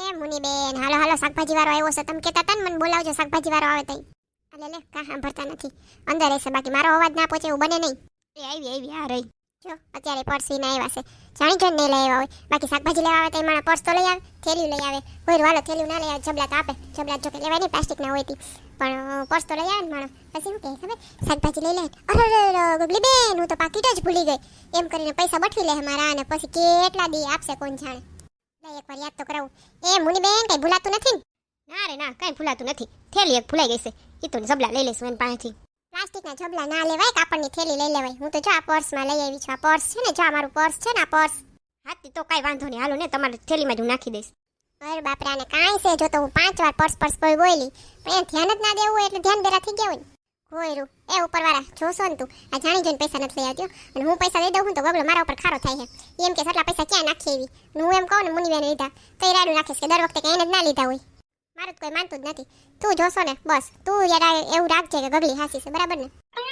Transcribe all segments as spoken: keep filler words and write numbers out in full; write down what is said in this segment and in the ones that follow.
મુની બેન, હાલો હાલો, શાકભાજી વાળો આવ્યો છે. તમે કહેતા હતા ને મને બોલાવજો, શાકભાજી વાળો આવે તઈ. અલે લે, કા સાંભળતા નથી. અંદર રહેશે, બાકી મારો અવાજ ના પહોંચે એવું બને નહીં. એ આવી આવી આ રહી. જો અત્યારે પર્સ લઈને આવ્યા છે. જાણી જોઈને નહીં લઈ આવ્યા હોય. બાકી શાકભાજી લેવા આવે તો મારા પર્સ તો લઈ આવે, થેલીયું લઈ આવે. કોઈ વાલો થેલીયું ના લઈ આવે, જબલા તો આપે. જબલા જો કે લેવાય નહીં, પ્લાસ્ટિક ના હોય તી. પણ પર્સ તો લઈ આવે ને માણસ. પછી શું કહે ખબર? શાકભાજી લઈ લે. અરે ગગલી બેન, હું તો પાકીટ જ ભૂલી ગઈ. એમ કરીને પૈસા બઠવી લે મારા, અને પછી કેટલા દી આપશે કોણ જાણે. એકવાર યાદ તો કરાવું. એ મુની બેન, કઈ ભૂલાતું નથી ને? ના રે ના, કઈ ભૂલાતું નથી. થેલી એક ભૂલાઈ ગઈ છે. ઈ તો જબલા લઈ લઈશું એની પાસેથી. પ્લાસ્ટિકના જબલા ના લેવાય, કાપડની થેલી લઈ લેવાય. હું તો જો આ પર્સમાં લઈ આવી છું. આ પર્સ છે ને, જો આ મારું પર્સ છે ને, આ પર્સ. હાથી તો કઈ વાંધો નહીં, હાલો ને, તમારી થેલીમાં જ હું નાખી દઈશ. અરે બાપરા, ને કાંઈ છે, જો તો હું પાંચ વાર પર્સ પર્સ કોઈ બોલી, પણ એ ધ્યાન જ ના દેવું હોય એટલે ધ્યાન બેરા થઈ ગયા હોય ને. ગોયરું એ ઉપરવાળા જોશો ને તું, આ જાણી જોઈને પૈસા નથી લઈ આવતી. અને હું પૈસા લઈ દઉં હું તો ગગલો મારા ઉપર ખારો થાય છે. એમ કે એટલા પૈસા ક્યાં નાખી એવી. હું એમ કહું ને મુનિબેન લીધા તો એ રાડું નાખીશ કે દર વખતે કઈ એને જ ના લીધા હોય. મારું તો કોઈ માનતું જ નથી. તું જોશો ને બસ, તું યાર એવું રાખજે કે ગગલી હાસી છે, બરાબર ને?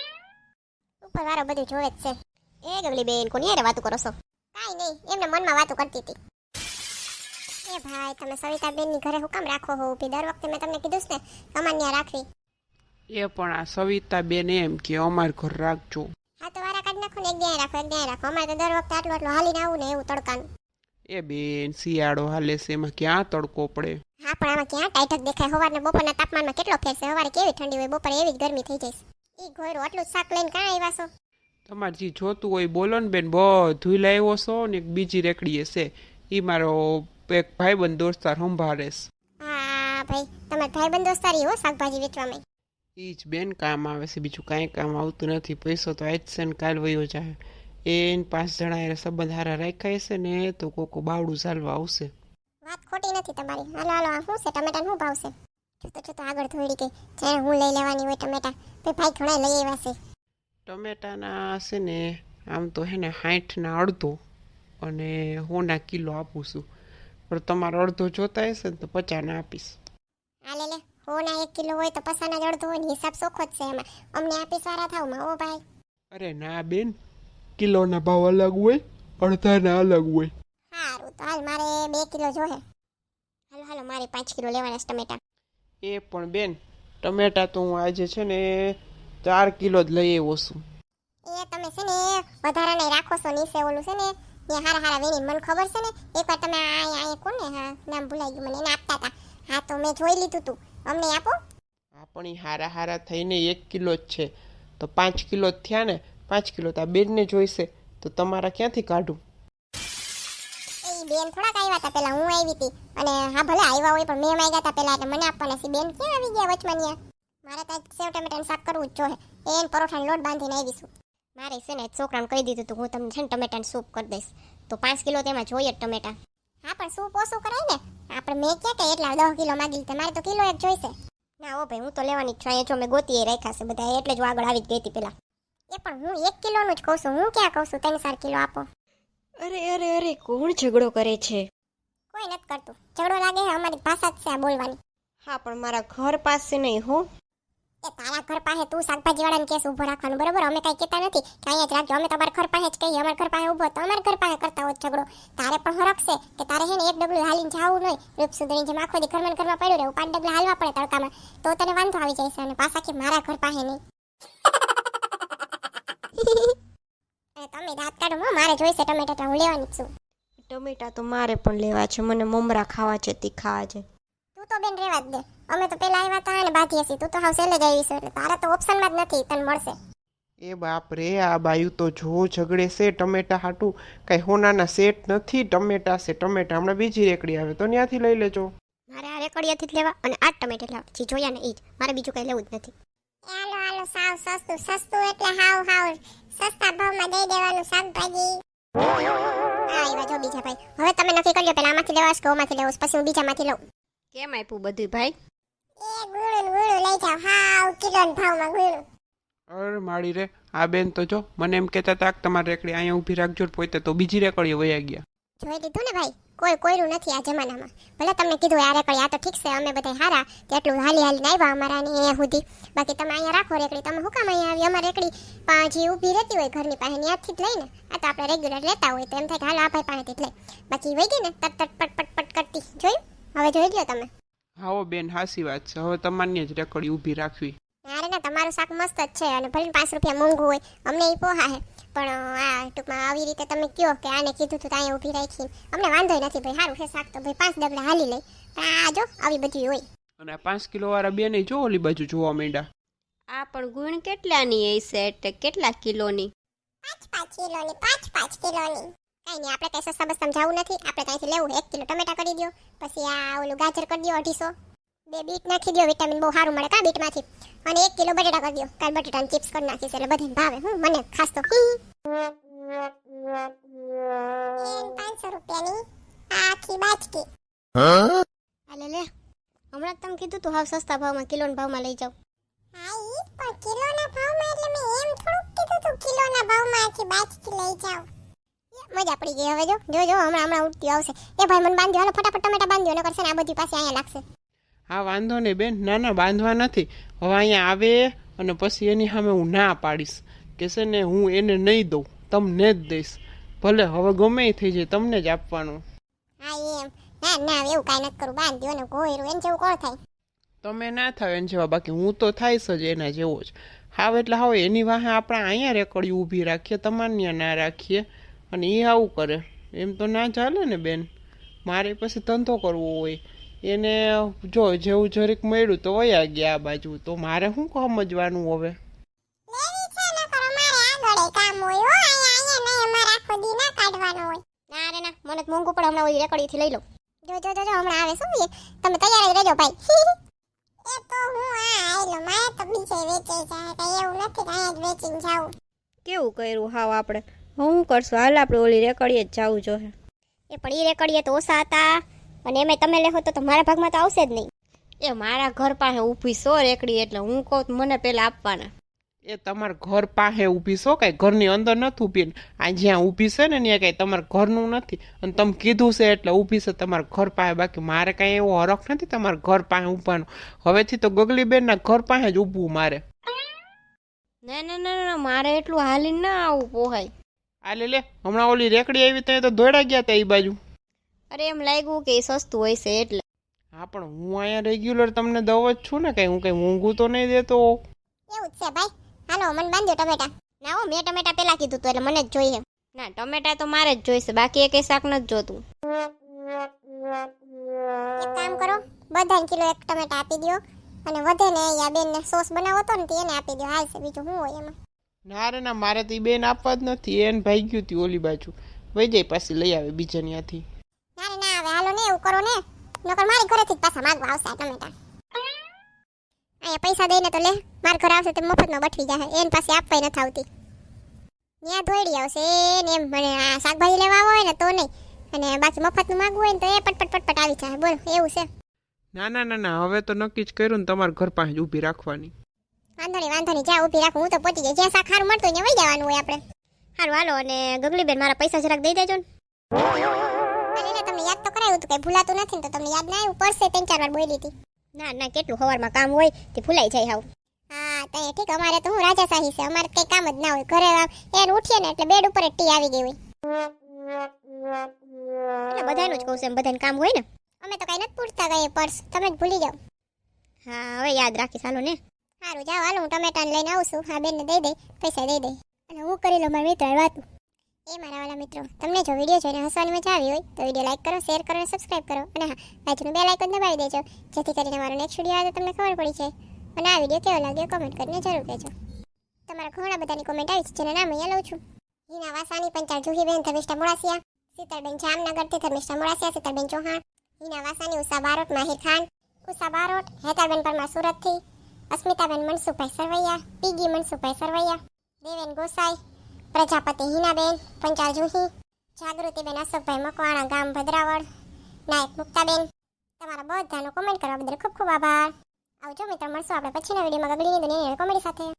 ઉપરવાળો બધું જોવે જ છે. એ ગગલી બેન, કોની યારે વાતું કરો છો? કાંઈ નહીં, એમને મનમાં વાતું કરતી હતી. એ ભાઈ, તમે સવિતાબેન ની ઘરે હું કામ રાખો હો ઊભી? દર વખતે મેં તમને કીધું છે ને કમાન્યા રાખવી. એ પણ આ સવિતા બેન એમ કે અમાર ઘર રાખજો. હા તો વારા કાઢી નાખો ને, એક દી રાખો, એક દી રાખો. અમારે તો દર વખતે આટલું આટલું હાલીને આવું ને એવું તડકાનું. એ બેન, શિયાળો હાલે છે, એમાં ક્યાં તડકો પડે? હા પણ આમાં ક્યાં ટાઈટક દેખાય? સવારના બપોરના તાપમાનમાં કેટલો ફેર છે. સવારે કેવી ઠંડી હોય, બપોરે એવી જ ગરમી થઈ જાય. ઈ ઘોયરું આટલું જ શાક લઈને કાં આવ્યા છો? તમારે જે જોતું હોય બોલો ને બેન, બધું લાવ્યો છો ને. એક બીજી રેકડીએ છે, એ મારો એક ભાઈબંધ દોસ્તાર સંભાળે છે. હા ભાઈ, તમારા ભાઈબંધ દોસ્તારી હો શાકભાજી વેચવામાં. એ જ બેન કામ આવે છે, બીજું કાંઈ કામ આવતું નથી. પૈસો તો આજ છે ને કાલ વયો જાય. એને પાંચ જણા એ સંબંધ હારા રાખ્યા છે ને, તો કોકો બાવડું ચાલવા આવશે. વાત ખોટી નથી તમારી. હાલો હાલો, આ શું છે? ટમેટા શું ભાવ છે? જોતો જોતો આગળ થોડી ગઈ. જાણે હું લઈ લેવાની હોય ટમેટા. ભાઈ ભાઈ ઘણા લઈ આવ્યા છે. ટમેટાના છે ને આમ તો હે ને સાઠના અડધો અને હોના કિલો આપું છું. પણ તમારો અડધો જોતા હશે ને તો પચાસના આપીશ. હા લે લે, હોના એક કિલો હોય તો પસાના જ અડધો હોય ને, હિસાબ સોખો જ છે એમાં. અમને આપી સારા થાવમાં ઓ ભાઈ. અરે ના બેન, કિલોના ભાવ અલગ હોય, અડધાના અલગ હોય. સારું તો હાલ, મારે બે કિલો જોહે. હાલો હાલો, મારે પાંચ કિલો લેવાના છે ટમેટા. એ પણ બેન, ટમેટા તો હું આજે છે ને ચાર કિલો જ લઈ આવ્યો છું. એ તમે છે ને વધારાને રાખો છો નીચે ઓલું છે ને ત્યાં હારા હારા વેણી. મને ખબર છે ને, એકવાર તમે અહીંયા કોને, હા નામ ભૂલાઈ ગયું મને, એને આપતા હતા. હા તો મેં જોઈ લીધું તું, અમને આપો. હા પણ એ હારા હારા થઈને એક કિલો જ છે, તો પાંચ કિલો જ થયા ને. પાંચ કિલો તો આ બેનને જોઈશે, તો તમારા ક્યાંથી કાઢું? એ બેન થોડાક આવ્યા હતા પેલા, હું આવી હતી. અને હા ભલે આવ્યા હોય પણ મેં માંગ્યા હતા પેલા, એટલે મને આપવાના છે. બેન ક્યાં આવી ગયા વચમાં ન્યા? મારે તો સેવ ટમેટાનું શાક કરવું જ જોઈએ. એને પરોઠાનો લોટ બાંધીને આવીશું. મારે છે ને છોકરાને કહી દીધું તું, હું તમને છે ને ટમેટાનું સૂપ કરી દઈશ. તો પાંચ કિલો તેમાં જોઈએ જ ટમેટા. હા પણ સૂપ ઓછું કરાય ને. આપણે મેં ક્યાં કે એટલા દસ કિલો માગી લીધા, મારે તો કિલો એક જોઈશે. ના હો ભાઈ, હું તો લેવાની જ છું. અહીંયા જો મેં ગોતી રાખ્યા છે બધા, એટલે જ હું આગળ આવી જ ગઈ હતી પેલા. એ પણ હું એક કિલોનું જ કહું છું, હું ક્યાં કહું છું ત્રણ ચાર કિલો આપો. અરે અરે અરે, કોણ ઝઘડો કરે છે? કોઈ નથી કરતું. ઝઘડો લાગે છે, અમારી ભાષા જ છે આ બોલવાની. હા પણ મારા ઘર પાસે નહીં હો. એ તારા ઘર પાસે તું શાકભાજી વાળાને કેસ ઉભો રાખવાનું, બરોબર? અમે કઈ કહેતા નથી કે અહીંયા જ રાખજો. અમે તમારા ઘર પાસે જ કહીએ, અમારા ઘર પાસે ઉભો તો અમારા ઘર પાસે કરતા હોય ઝઘડો. તારે પણ હરખ છે કે તારે છે ને એક ડગલું હાલીને જાવું નહીં. રૂપ સુધરી જેમ આખો દી ઘરમાં ઘરમાં પડ્યું રહેવું, પાંચ ડગલા હાલવા પડે તડકામાં, તો તને વાંધો આવી જાય છે. અને પાછા કે મારા ઘર પાસે નહીં. તમે દાંત કાઢો, મારે જોઈશે ટમેટા, હું લેવાની જ છું. ટમેટા તો મારે પણ લેવા છે, મને મમરા ખાવા છે, તીખા છે. તું તો બેન રેવા જ દે. અમે તો પેલા આવ્યા હતા અને બાકી હશે. તું તો હાવ સેલે જ આવી છે, એટલે તારા તો ઓપ્શનમાં જ નથી, તને મળશે. એ બાપ રે, આ બાયું તો જો ઝઘડે છે ટમેટા હાટું. કઈ હોનાના સેટ નથી, ટમેટા છે ટમેટા. હમણાં બીજી રેકડી આવે તો ત્યાંથી લઈ લેજો. મારે આ રેકડીયાથી જ લેવા અને આ ટમેટા લેવા, જે જોયા ને એ જ. મારે બીજું કઈ લેવું જ નથી. હાલો હાલો, સાવ સસ્તું. સસ્તું એટલે હાવ હાવ સસ્તા ભાવમાં દઈ દેવાનું શાકભાજી. હા એવા જો બીજા ભાઈ. હવે તમે નક્કી કરી લો, પેલા આમાંથી લેવા કે ઓમાંથી લેવા, પછી હું બીજામાંથી લઉં. કેમ આપ્યું બધું ભાઈ? એ ગુળું ગુળું લઈ જાવ, હાવ કિલોના ભાવમાં ગુળું. અરે માળી રે, આ બેન તો જો મને એમ કહેતા હતા કે તમારી રેકડી અહીંયા ઊભી રાખજો, પોતે તો બીજી રેકડીએ વયા ગયા. જોઈ લીધું ને ભાઈ, કોઈ કોઈરું નથી આ જમાનામાં. ભલે તમને કીધું આ રેકડી, આ તો ઠીક છે, અમે બધા હારા તેટલું હાલી હાલીને આવ્યા અમારા ને અહીંયા સુધી. બાકી તમે અહીંયા રાખો રેકડી, તમે શું કામ અહીંયા આવી? અમારી રેકડી પાછી ઊભી રહેતી હોય ઘરની પાસે, ત્યાંથી જ લઈને. આ તો આપણે રેગ્યુલર લેતા હોય તો એમ થાય કે હાલ આ ભાઈ પાસેથી જ લઈ. બાકી વહી ગઈ ને તટ તટ પટ પટ પટ કરતી, જોયું? હવે જોઈ લ્યો તમે. હાઓ બેન હાસી વાત છે, હવે તમારી જ રેકડી ઊભી રાખવી. અરે ના, તમારું શાક મસ્ત જ છે અને ભલે પાંચ રૂપિયા મોંઘું હોય અમને એ પોહા હે, પણ આ ટૂંકમાં આવી રીતે તમે કહો કે આને કીધું તું તો અહીંયા ઊભી રાખી, અમને વાંધો નથી ભાઈ, સારું છે શાક તો ભાઈ પાંચ ડગલા હાલી લઈ. પણ આ જો આવી બધી હોય. અને આ પાંચ કિલો વાળા બેન જો ઓલી બાજુ જોવા માંડ્યા. આ પણ ગુણ કેટલાની હશે, એટલે કેટલા કિલોની? પાંચ પાંચ કિલોની, પાંચ પાંચ કિલોની. કઈ નહીં, આપણે કઈ સસ્તા બસ્તામાં જવું નથી, આપણે ત્યાંથી લેવું એક કિલો ટમેટા કરી દો, પછી આ ઓલું ગાજર કરી દો અઢીસો, બે બીટ નાખી દો, વિટામિન બહુ સારું મળે કા બીટમાંથી, અને એક કિલો બટેટા કરી દો, કાલ બટેટાની ચિપ્સ કરી નાખીશ એટલે બધાને ભાવે. હું મને ખાસ તો પાંચસો રૂપિયાની આખી બાચકી. હાલે લે, હમણાં તમે કીધું તું હાવ સસ્તા ભાવમાં કિલોના ભાવમાં લઈ જાવ. હા ઈ પણ કિલોના ભાવમાં એટલે મેં એમ થોડુંક કીધું તું કિલોના ભાવમાં આખી બાચકી લઈ જાવ. મજા પડી ગઈ. હવે જો જો જો હમણાં હમણાં ઉઠતી આવશે. એ ભાઈ મને બાંધ્યો, હાલો ફટાફટ ટમેટા બાંધ્યો, ન કરશે ને આ બધી પાસે અહીંયા લાગશે. હા વાંધો નહીં બેન, ના ના બાંધવા નથી. હવે અહીંયા આવે અને પછી એની સામે હું ના પાડીશ કે છે ને હું એને નહીં દઉં, તમને જ દઈશ. ભલે હવે ગમે એ થઈ જાય, તમને જ આપવાનું. હા એમ, ના ના એવું કાંઈ નથી કરું, બાંધ્યો ને ગોયરું એને જેવું કોણ થાય. તમે ના થાવ એને જેવા, બાકી હું તો થાઈશ જ એના જેવો જ. હાવ એટલે હાવ એની વાહે આપણે અહીંયા રેકડી ઊભી રાખીએ, તમારે ત્યાં ના રાખીએ, અને એ આવું કરે એમ તો ના ચાલે ને બેન. મારે પછી ધંધો કરવો હોય, એને જો જેવું જરીક મળ્યું તો વયા ગયા આ બાજુ, તો મારે શું સમજવાનું હવે? ના રે ના, મને તો મોંઘું પડે, હમણાં ઓલી રેકડીથી લઈ લો. જો જો જો જો હમણાં આવે શું એ, તમે તૈયાર જ રહેજો ભાઈ. એ તો હું આ આયલો, મારે તો બીજે વેચે જાય, કઈ એવું નથી કે અહીંયા જ વેચીને જાઉં. કેવું કર્યું હાવ આપણે? હું કરશું, હાલ આપણે ઓલી રેકડીએ જ જવું જોઈએ. એ પણ એ રેકડીએ તો ઓછા હતા, અને એમાં તમે લેહો તો તમારા ભાગમાં તો આવશે જ નહીં. એ મારા ઘર પાસે ઊભી સો રેકડી, એટલે હું કહું તો મને પેલા આપવાના. એ તમારા ઘર પાસે ઊભી છો, કાંઈ ઘરની અંદર નથી ઊભી. આ જ્યાં ઊભી છે ને ત્યાં કાંઈ તમારા ઘરનું નથી, અને તમે કીધું છે એટલે ઊભી છે તમારા ઘર પાસે. બાકી મારે કાંઈ એવો હરખ નથી તમારા ઘર પાસે ઊભવાનો. હવેથી તો ગગલીબેનના ઘર પાસે જ ઊભવું મારે. ના ના ના ના, મારે એટલું હાલીને ના આવું પોહાય. આ લે લે, હમણાં ઓલી રેકડી આવી ત્યાં તો દોડા ગયા હતા એ બાજુ. અરે એમ લાગ્યું કે એ સસ્તું હોય છે એટલે. હા પણ હું અહીંયા રેગ્યુલર તમને દવ જ છું ને, કાંઈ હું કંઈ મોંઘું તો નહીં દેતો. એવું જ છે ભાઈ. હાલો મને બાંધ્યો ટમેટા. ના હો, મેં ટમેટા પેલા કીધું તો એટલે મને જ જોઈએ. ના, ટમેટા તો મારે જ જોઈશે, બાકી એ કઈ શાક નથી જોતું. એક કામ કરો, બધાને કિલો એક ટમેટા આપી દો, અને વધે ને અહીંયા બેનને સોસ બનાવો તો ને તે એને આપી દો, હાલશે. બીજું શું હોય એમાં? ના રે ના, મારે તો એ બેન આપવા જ નથી, એને ભાઈ ગયું હતી ઓલી બાજુ, વહી જાય પાછી લઈ આવે બીજા ત્યાંથી. ના રે ના, હવે હાલો ને એવું કરો ને, નકર મારી ઘરેથી જ પાછા માંગવા આવશે આ ટમેટા. અહીંયા પૈસા દઈને તો લે, મારા ઘરે આવશે તે મફતમાં બઠવી જાય, એને પાસે આપવાય નથી આવતી. ત્યાં દોડી આવશે ને એમ, મને આ શાકભાજી લેવા હોય ને તો નહીં, અને બાકી મફતનું માંગવું હોય ને તો એ પટપટ પટપટ આવી જાય. બોલો એવું છે? ના ના ના ના, હવે તો નક્કી જ કર્યું ને તમારા ઘર પાસે જ ઊભી રાખવાની. વાંધો નહીં વાંધો નહીં, જ્યાં ઊભી રાખું હું તો પહોંચી જાય, જ્યાં શાક સારું મળતું હોય ત્યાં વહી જવાનું હોય આપણે. સારું હાલો, અને ગગલીબેન મારા પૈસા જરાક દઈ દેજો ને. અરે તમને યાદ તો કરાયું હતું, કઈ ભૂલાતું નથી ને, તો તમને યાદ ના આવ્યું? પડશે ત્રણ ચાર વાર બોલી હતી. ના ના, કેટલું સવારમાં કામ હોય તે ભૂલાઈ જાય હાવ. હા તો ઠીક, અમારે તો હું રાજાશાહી છે, અમારે કઈ કામ જ ના હોય ઘરે. એને ઉઠીએ ને એટલે બેડ ઉપર જ ટી આવી ગઈ હોય. એટલે બધાનું જ કહું છું, એમ બધાને કામ હોય ને. અમે તો કઈ નથી પૂછતા કઈ પર્સ, તમે જ ભૂલી જાઓ. હા હવે યાદ રાખીશ, હાલો ને. સારું જાઓ, હાલો હું ટમેટાને લઈને આવું છું. હા બેનને દઈ દઈ, પૈસા દઈ દઈ, અને હું કરી લઉં મારા મિત્ર વાત. એ મારા વાલા મિત્રો, તમને જો વિડીયો જોઈને હસવાની મજા આવી હોય તો વિડીયો લાઈક કરો, શેર કરો અને સબસ્ક્રાઇબ કરો, અને હા બાજુનું બેલ આઇકન દબાવી દેજો, જેથી કરીને મારો નેક્સ્ટ વિડીયો આવે તો તમને ખબર પડી જાય. અને આ વિડીયો કેવો લાગ્યો કોમેન્ટ કરીને જરૂર કહેજો. તમારા ઘણા બધાની કોમેન્ટ આવી છે, જેના નામ અહીંયા લઉં છું. હિના વાસાની, પંચાલ જુહીબેન, ધર્મિષ્ઠા મોડાસિયા, શીતલબેન જામનગરથી, ધર્મિષ્ઠા મોડાસિયા, શીતલબેન ચૌહાણ, હિના વાસાની, ઉષા બારોટ, માહિર ખાન, ઉષા બારોટ, હેતાબેન પરમાર સુરતથી, અસ્મિતાબેન મનસુખભાઈ સરવૈયા, પીગી મનસુખભાઈ સરવૈયા, દેવેન ગોસાઈ, પ્રજાપતિ હિનાબેન, પંચાલ જુહી, જાગૃતિબેન અશોકભાઈ મકવાણા, ગામ ભદ્રાવળ, નાયક મુક્તાબેન. તમારા બધાનો કોમેન્ટ કરવા બદલ ખૂબ ખૂબ આભાર. આવજો મિત્રો, મળશું આપણે પછીના વિડીયોમાં ગગડીની દુનિયાની કોમેડી સાથે.